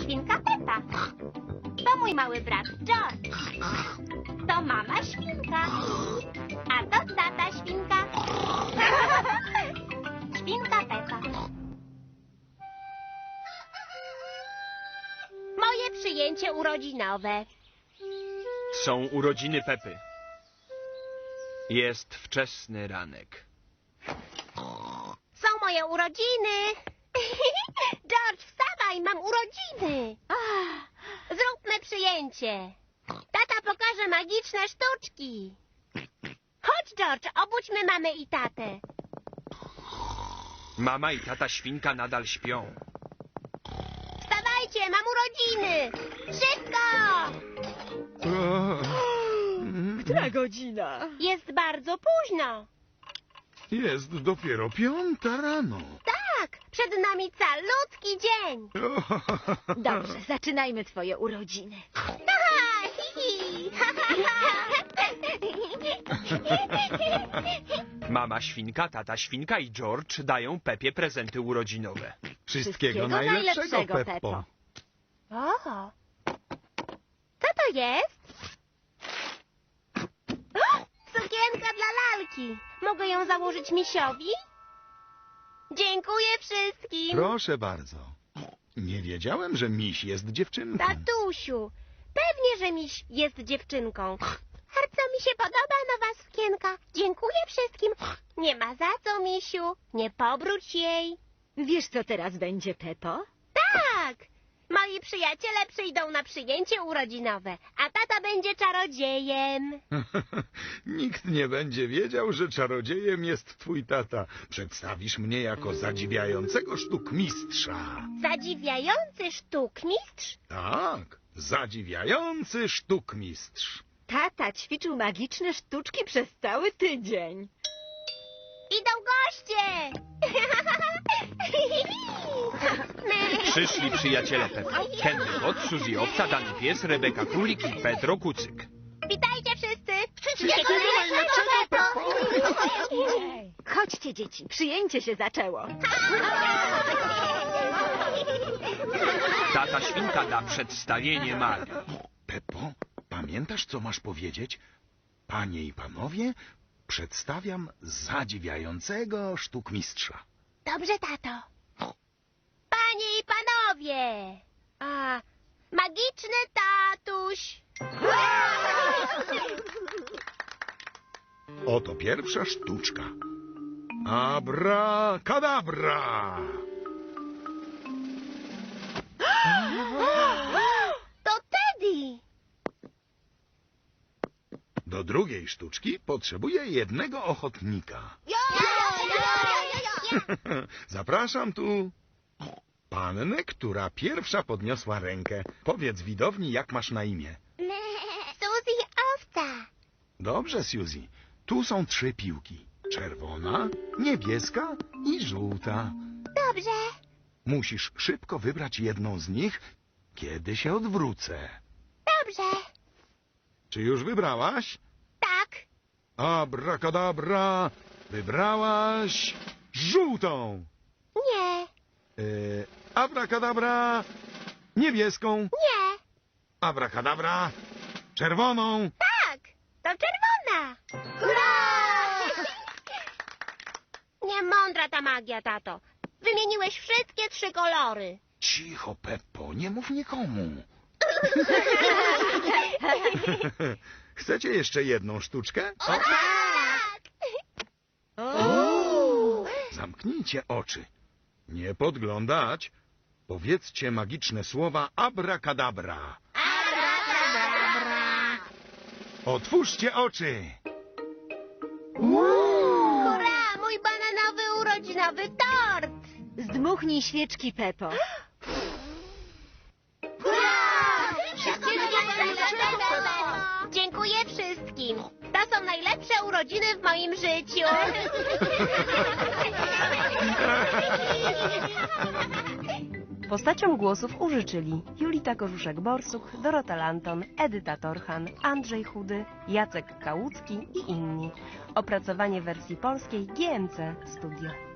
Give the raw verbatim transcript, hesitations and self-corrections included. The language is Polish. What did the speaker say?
świnka Pepa. To mój mały brat George. To mama świnka. A to tata świnka. Świnka Pepa. Moje przyjęcie urodzinowe. Są urodziny Pepy. Jest wczesny ranek. Są moje urodziny. George, wstawaj, mam urodziny. Zróbmy przyjęcie. Tata pokaże magiczne sztuczki. Chodź, George, obudźmy mamę i tatę. Mama i tata świnka nadal śpią. Wstawajcie, mam urodziny. Szybko! Która godzina? Jest bardzo późno. Jest dopiero piąta rano. Tak, przed nami calutki dzień. Dobrze, zaczynajmy twoje urodziny. Aha, hi, hi. Mama świnka, tata świnka i George dają Pepie prezenty urodzinowe. Wszystkiego, Wszystkiego najlepszego, najlepszego, Peppo. Peppo. O, co to jest? O, sukienka dla lalki. Mogę ją założyć misiowi? Dziękuję wszystkim. Proszę bardzo. Nie wiedziałem, że miś jest dziewczynką. Tatusiu, pewnie, że miś jest dziewczynką. Bardzo mi się podoba nowa sukienka. Dziękuję wszystkim. Nie ma za co, misiu. Nie pobruć jej. Wiesz, co teraz będzie, Peppo? Tak! Moi przyjaciele przyjdą na przyjęcie urodzinowe, a tata będzie czarodziejem. Nikt nie będzie wiedział, że czarodziejem jest twój tata. Przedstawisz mnie jako zadziwiającego sztukmistrza. Zadziwiający sztukmistrz? Tak, zadziwiający sztukmistrz. Tata ćwiczył magiczne sztuczki przez cały tydzień. Idą goście! Przyszli przyjaciele Pepy. Henry Kot, Suzy Owca, Dany Pies, Rebeka Królik i Pedro Kucyk. Witajcie wszyscy! Wszystkiego najlepszego, Peppo! Chodźcie, dzieci, przyjęcie się zaczęło. Tata świnka da przedstawienie Marii. Peppo, pamiętasz, co masz powiedzieć? Panie i panowie, przedstawiam zadziwiającego sztukmistrza. Dobrze, tato. Panie i panowie! A, magiczny tatuś! Oto pierwsza sztuczka. Abracadabra! To Teddy! Do drugiej sztuczki potrzebuję jednego ochotnika. Zapraszam tu pannę, która pierwsza podniosła rękę. Powiedz widowni, jak masz na imię. Suzy Owca. Dobrze, Suzy. Tu są trzy piłki. Czerwona, niebieska i żółta. Dobrze. Musisz szybko wybrać jedną z nich, kiedy się odwrócę. Dobrze. Czy już wybrałaś? Tak. Abracadabra! Wybrałaś żółtą. Nie. Yy, abracadabra! Niebieską. Nie. Abracadabra! Czerwoną. Tak. To czerwona. Hurra! Niemądra ta magia, tato. Wymieniłeś wszystkie trzy kolory. Cicho, Peppo, nie mów nikomu. Chcecie jeszcze jedną sztuczkę? O, tak! Zamknijcie oczy. Nie podglądać. Powiedzcie magiczne słowa abracadabra. Abracadabra. Otwórzcie oczy. Hurra! Mój bananowy urodzinowy tort! Zdmuchnij świeczki, Peppo. Hurra! Wszystkiego najlepszego! Dziękuję wszystkim. To są najlepsze urodziny w moim życiu. Postaciom głosów użyczyli Julita Korzuszek-Borsuk, Dorota Lanton, Edyta Torchan, Andrzej Chudy, Jacek Kałucki i inni. Opracowanie wersji polskiej G M C Studio.